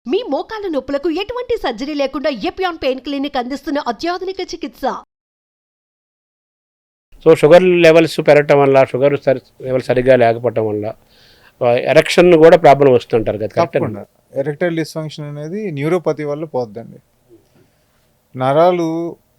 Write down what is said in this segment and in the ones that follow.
మీ మోకాల నొప్పులకు ఎటువంటి సర్జరీ లేకుండా ఎపియాన్ పెయిన్ క్లినిక్ అందిస్తున్న అత్యాధునిక చికిత్స. సో షుగర్ లెవెల్స్ పెరగటం వల్ల షుగర్ లెవెల్ సరిగ్గా లేకపోవటం వల్ల ఎరెక్షన్ కూడా ప్రాబ్లం వస్తుంటారు కదా. తప్పకుండా ఎరెక్టైల్ డిస్ఫంక్షన్ అనేది న్యూరోపతి వల్ల పోద్దండి. నరాలు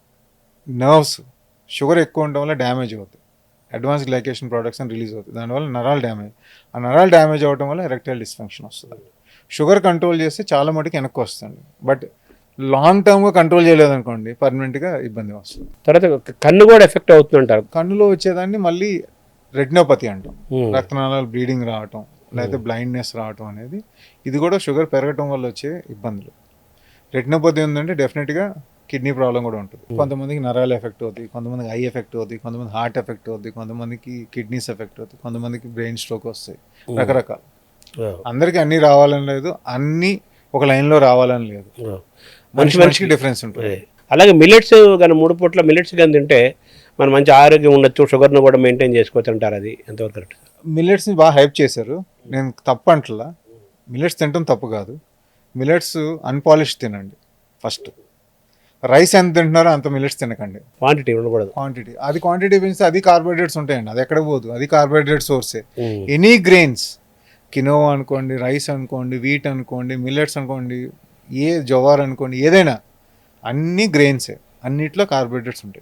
నర్వ్స్ షుగర్ ఎక్కువ ఉండడం వల్ల డ్యామేజ్ అవుతాయి. అడ్వాన్స్ గ్లైకేషన్ ప్రొడక్ట్స్ అని రిలీజ్ అవుతుంది. దానివల్ల నరాలు డ్యామేజ్, ఆ నరాలు డ్యామేజ్ అవ్వడం వల్ల ఎరెక్టైల్ డిస్ఫంక్షన్ వస్తుంది. షుగర్ కంట్రోల్ చేస్తే చాలా మటుకు వెనక్కి వస్తుంది. బట్ లాంగ్ టర్మ్గా కంట్రోల్ చేయలేదనుకోండి పర్మనెంట్గా ఇబ్బంది వస్తుంది. తర్వాత కన్ను కూడా ఎఫెక్ట్ అవుతుంటారు. కన్నులో వచ్చేదాన్ని మళ్ళీ రెటినోపతి అంటాం. రక్తనాళాలు బ్లీడింగ్ రావటం లేకపోతే బ్లైండ్నెస్ రావటం అనేది ఇది కూడా షుగర్ పెరగటం వల్ల వచ్చే ఇబ్బందులు. రెటినోపతి ఉందంటే డెఫినెట్గా కిడ్నీ ప్రాబ్లం కూడా ఉంటుంది. కొంతమందికి నరాలు ఎఫెక్ట్ అవుతుంది, కొంతమందికి ఐ ఎఫెక్ట్ అవుతుంది, కొంతమంది హార్ట్ ఎఫెక్ట్ అవుతుంది, కొంతమందికి కిడ్నీస్ ఎఫెక్ట్ అవుతుంది, కొంతమందికి బ్రెయిన్ స్ట్రోక్ వస్తాయి. రకరకాల అందరికీ అన్నీ రావాలని లేదు, అన్నీ ఒక లైన్లో రావాలని లేదు. మనిషికి డిఫరెన్స్ ఉంటుంది. అలాగే మిల్లెట్స్ కానీ 3 పూట్ల మిల్లెట్స్ కానీ తింటే మనం మంచి ఆరోగ్యం ఉండొచ్చు, షుగర్ను కూడా మెయింటైన్ చేసుకోవచ్చు అంటారు. అది ఎంతవరకు కరెక్ట్? మిల్లెట్స్ని బాగా హైప్ చేశారు. నేను తప్పు అంటలా, మిల్లెట్స్ తినడం తప్పు కాదు. మిల్లెట్స్ అన్పాలిష్ తినండి ఫస్ట్. రైస్ ఎంత తింటున్నారో అంత మిల్లెట్స్ తినకండి. క్వాంటిటీ ఉండకూడదు. క్వాంటిటీ పెంచితే అది కార్బోహైడ్రేట్స్ ఉంటాయండి, అది ఎక్కడ పోదు, అది కార్బోహైడ్రేట్ సోర్సే. ఎనీ గ్రెయిన్స్, కినోవా అనుకోండి, రైస్ అనుకోండి, వీట్ అనుకోండి, మిల్లెట్స్ అనుకోండి, జవార్ అనుకోండి, ఏదైనా అన్ని గ్రెయిన్సే. అన్నిట్లో కార్బోహైడ్రేట్స్ ఉంటాయి.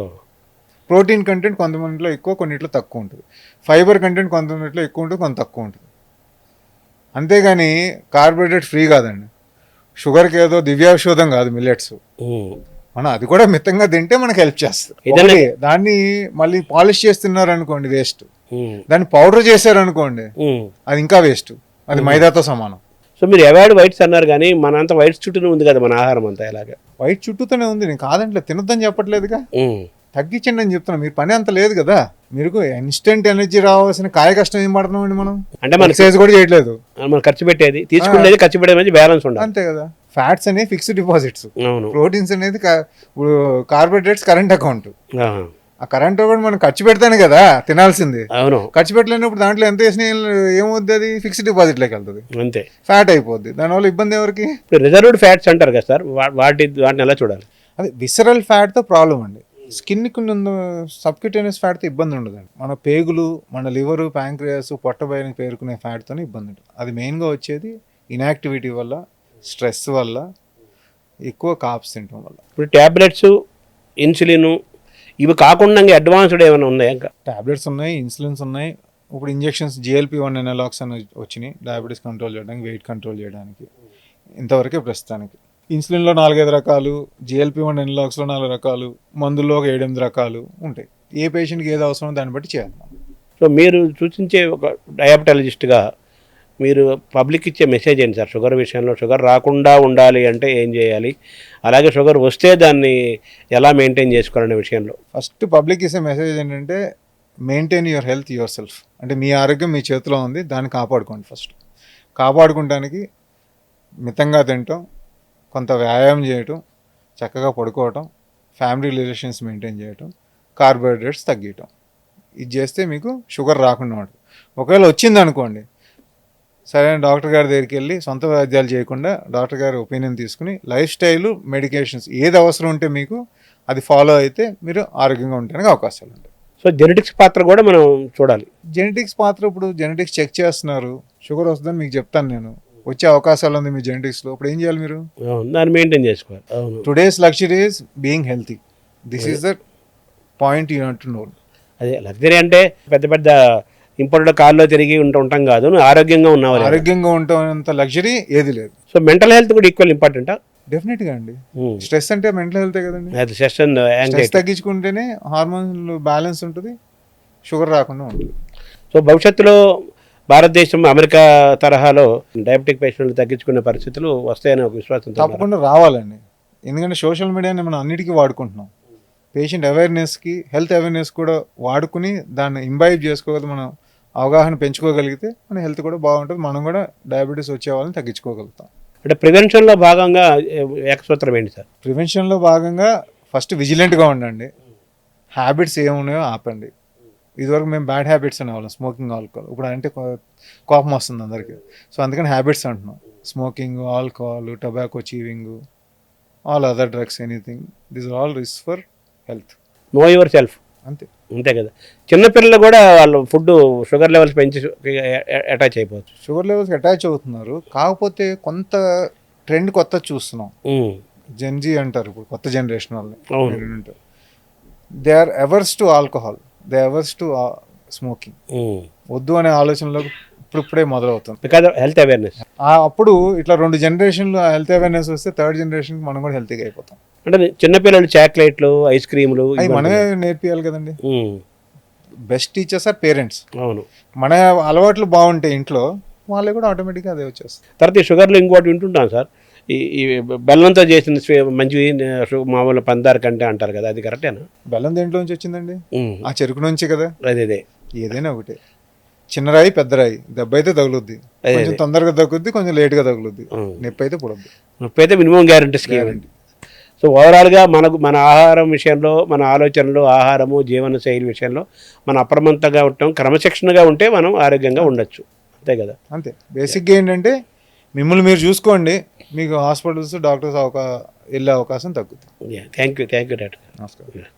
ప్రోటీన్ కంటెంట్ కొంతమందిలో ఎక్కువ, కొన్నిట్లో తక్కువ ఉంటుంది. ఫైబర్ కంటెంట్ కొంతమందిలో ఎక్కువ ఉంటుంది, కొంత తక్కువ ఉంటుంది. అంతేగాని కార్బోహైడ్రేట్ ఫ్రీ కాదండి. షుగర్కి ఏదో దివ్యాషోధం కాదు మిల్లెట్స్. మనం అది కూడా మితంగా తింటే మనకు హెల్ప్ చేస్తుంది. దాన్ని మళ్ళీ పాలిష్ చేస్తున్నారు అనుకోండి వేస్ట్. దాన్ని పౌడర్ చేశారు అనుకోండి అది ఇంకా వేస్ట్, అది మైదాతో సమానం. సో మీరు అవాయిడ్ వైట్స్ అన్నారు కానీ మనంతా వైట్స్ చుట్టూనే ఉంది కదా మన ఆహారం అంతా. ఎలాగా వైట్ చుట్టూతోనే ఉంది, నేను కాదంటే తినొద్దని చెప్పట్లేదుగా, తగ్గించండి అని చెప్తున్నా. మీరు పని అంత లేదు కదా, మీరు ఇన్స్టెంట్ ఎనర్జీ రావాల్సిన కాయ కష్టం ఏం పడుతున్నామండి మనం. అంటే మన ఎక్సర్సైజ్ కూడా చేయట్లేదు, మనం ఖర్చు పెట్టేది తీసుకునేది ఖర్చు పెట్టేది బ్యాలెన్స్ ఉండాలి అంతే కదా. ఫ్యాట్స్ అనేవి ఫిక్స్డ్ డిపాజిట్స్, ప్రోటీన్స్ అనేది కార్బోహైడ్రేట్స్ కరెంట్ అకౌంట్. ఆ కరెంట్ కూడా మనం ఖర్చు పెడతానే కదా తినాల్సింది. అవును, ఖర్చు పెట్టలేనప్పుడు దాంట్లో ఎంత వేసినా ఏమవుద్ది, అది ఫిక్స్డ్ డిపాజిట్ లోకి వెళ్తుంది, అంతే, ఫ్యాట్ అయిపోద్ది. దానివల్ల ఇబ్బంది ఎవరికి? రిజర్వ్డ్ ఫ్యాట్స్ అంటారు కదా సార్, వాటిని ఎలా చూడాలి? అదే విసరల్ ఫ్యాట్తో ప్రాబ్లం అండి. స్కిన్కి సబ్క్యూటేనియస్ ఫ్యాట్తో ఇబ్బంది ఉండదండి. మన పేగులు, మన లివరు, ప్యాంక్రియాస్, పొట్టబయని పేరుకునే ఫ్యాట్తోనే ఇబ్బంది ఉంటుంది. అది మెయిన్గా వచ్చేది ఇన్యాక్టివిటీ వల్ల, స్ట్రెస్ వల్ల, ఎక్కువ కాప్స్ తినడం వల్ల. ఇప్పుడు ట్యాబ్లెట్స్, ఇన్సులిన్ ఇవి కాకుండా అడ్వాన్స్డ్ ఏమైనా ఉన్నాయా? ఇంకా ట్యాబ్లెట్స్ ఉన్నాయి, ఇన్సులిన్స్ ఉన్నాయి. ఇప్పుడు ఇంజెక్షన్స్ GLP-1 ఎనలాగ్స్ అని వచ్చినాయి, డయాబెటీస్ కంట్రోల్ చేయడానికి, వెయిట్ కంట్రోల్ చేయడానికి. ఇంతవరకే ప్రస్తుతానికి. ఇన్సులిన్లో 4-5 రకాలు, GLP-1 ఎనలాగ్స్లో 4 రకాలు, మందుల్లో ఒక 7-8 రకాలు ఉంటాయి. ఏ పేషెంట్కి ఏది అవసరమో దాన్ని బట్టి చేయాలి. సో మీరు సూచించే ఒక డయాబెటాలజిస్ట్గా మీరు పబ్లిక్ ఇచ్చే మెసేజ్ ఏంటి సార్? షుగర్ విషయంలో షుగర్ రాకుండా ఉండాలి అంటే ఏం చేయాలి, అలాగే షుగర్ వస్తే దాన్ని ఎలా మెయింటైన్ చేసుకోవాలనే విషయంలో ఫస్ట్ పబ్లిక్ ఇచ్చే మెసేజ్ ఏంటంటే, maintain your health yourself. అంటే మీ ఆరోగ్యం మీ చేతిలో ఉంది, దాన్ని కాపాడుకోండి. ఫస్ట్ కాపాడుకోవడానికి మితంగా తినటం, కొంత వ్యాయామం చేయటం, చక్కగా పడుకోవటం, ఫ్యామిలీ రిలేషన్స్ మెయింటైన్ చేయటం, కార్బోహైడ్రేట్స్ తగ్గించటం. ఇది చేస్తే మీకు షుగర్ రాకుండా ఉంటుంది. ఒకవేళ వచ్చింది అనుకోండి, సరైన డాక్టర్ గారి దగ్గరికి వెళ్ళి సొంత వైద్యాలు చేయకుండా డాక్టర్ గారి ఒపీనియన్ తీసుకుని లైఫ్ స్టైలు, మెడికేషన్స్ ఏది అవసరం ఉంటే మీకు అది ఫాలో అయితే మీరు ఆరోగ్యంగా ఉండడానికి అవకాశాలు ఉంటాయి. సో జెనెటిక్స్ పాత్ర కూడా మనం చూడాలి. జెనెటిక్స్ పాత్ర, ఇప్పుడు జెనెటిక్స్ చెక్ చేస్తున్నారు, షుగర్ వస్తుందని మీకు చెప్తాను నేను, వచ్చే అవకాశాలు ఉంది మీ జెనెటిక్స్లో. ఇప్పుడు ఏం చేయాలి? మీరు దాన్ని మెయింటైన్ చేసుకోవాలి. Today's luxury is being healthy. This is the point you have to know. అదే లగ్జరీ అంటే పెద్ద పెద్ద ఇంపోర్టెడ్ కార్లో తిరిగి ఉంటాం కాదు, ఆరోగ్యంగా ఉన్నావు. ఆరోగ్యంగా ఉంటామంత లగ్జరీ ఏది లేదు. సో మెంటల్ హెల్త్ కూడా ఈక్వల్ ఇంపార్టెంటా? డెఫినెట్గా అండి. స్ట్రెస్ అంటే మెంటల్ హెల్తే కదండి. స్ట్రెస్ తగ్గించుకుంటేనే హార్మోన్లు బ్యాలెన్స్ ఉంటుంది, షుగర్ రాకుండా ఉంటుంది. సో భవిష్యత్తులో భారతదేశం అమెరికా తరహాలో డయాబెటిక్ పేషెంట్లు తగ్గించుకునే పరిస్థితులు వస్తాయని ఒక విశ్వాసం తప్పకుండా రావాలండి. ఎందుకంటే సోషల్ మీడియాని మనం అన్నిటికీ వాడుకుంటున్నాం. పేషెంట్ అవేర్నెస్కి, హెల్త్ అవేర్నెస్ కూడా వాడుకుని దాన్ని ఇంబైబ్ చేసుకోగలిగితే, మనం అవగాహన పెంచుకోగలిగితే మన హెల్త్ కూడా బాగుంటుంది, మనం కూడా డయాబెటీస్ వచ్చే వాళ్ళని తగ్గించుకోగలుగుతాం. అంటే ప్రివెన్షన్లో భాగంగా ఏకసూత్రం ఏంటి సార్? ప్రివెన్షన్లో భాగంగా ఫస్ట్ విజిలెంట్గా ఉండండి, హ్యాబిట్స్ ఏమున్నాయో ఆపండి. ఇదివరకు మేము బ్యాడ్ హ్యాబిట్స్ అనేవాళ్ళం, స్మోకింగ్, ఆల్కహాల్. ఇప్పుడు అంటే కోపం వస్తుంది అందరికీ. సో అందుకని హ్యాబిట్స్ అంటున్నాం. Smoking, alcohol, tobacco, chewing, all other drugs, anything, this are all risk for health. Know yourself, అంతే. అంతే కదా. చిన్నపిల్లలు కూడా వాళ్ళు ఫుడ్ షుగర్ లెవెల్స్ పెంచి అటాచ్ అయిపోవచ్చు. షుగర్ లెవెల్స్కి అటాచ్ అవుతున్నారు. కాకపోతే కొంత ట్రెండ్ కొత్త చూస్తున్నాం. జెన్జీ అంటారు ఇప్పుడు, కొత్త జనరేషన్ వాళ్ళని. They are averse to alcohol, they averse to smoking. వద్దు అనే ఆలోచనలో ఇప్పుడే మొదలవుతుంది. Because of health awareness. అప్పుడు ఇట్లా 2 జనరేషన్లు హెల్త్ అవేర్నెస్ వస్తే థర్డ్ జనరేషన్కి మనం కూడా హెల్తీగా అయిపోతాం. అంటే చిన్నపిల్లలు చాక్లెట్లు, ఐస్ క్రీములు అవి మనమే నేర్పియాలి కదండి. Best teachers are parents. అవును. మన అలవాట్లు బాగుంటాయి ఇంట్లో, వాళ్ళే కూడా ఆటోమేటిక్గా అదే వచ్చేస్తుంది. తర్వాత ఈ షుగర్లో ఇంకోటి వింటుంటాం సార్, ఈ బెల్లంతో చేసిన మంచివి మామూలు పందారు కంటే అంటారు కదా, అది కరెక్టేనా? బెల్లం దేంట్లో నుంచి వచ్చిందండి? ఆ చెరుకు నుంచి కదా. అదే ఏదైనా ఒకటే, చిన్న రాయి పెద్ద రాయి, దెబ్బ అయితే తగులుద్ది, కొంచెం తొందరగా తగ్గుద్ది, కొంచెం లేట్గా తగులుద్ది, నొప్పి అయితే పుడద్దు. నొప్పి అయితే మినిమం గ్యారంటీ స్కీమ్. సో ఓవరాల్గా మన ఆహారం విషయంలో, మన ఆలోచనలు, ఆహారము, జీవన శైలి విషయంలో మనం అప్రమత్తంగా ఉంటాం, క్రమశిక్షణగా ఉంటే మనం ఆరోగ్యంగా ఉండొచ్చు. అంతే కదా. అంతే. బేసిక్గా ఏంటంటే మిమ్మల్ని మీరు చూసుకోండి, మీకు హాస్పిటల్స్, డాక్టర్స్ వెళ్ళే అవకాశం తగ్గుతుంది. Thank you doctor. నమస్కారం.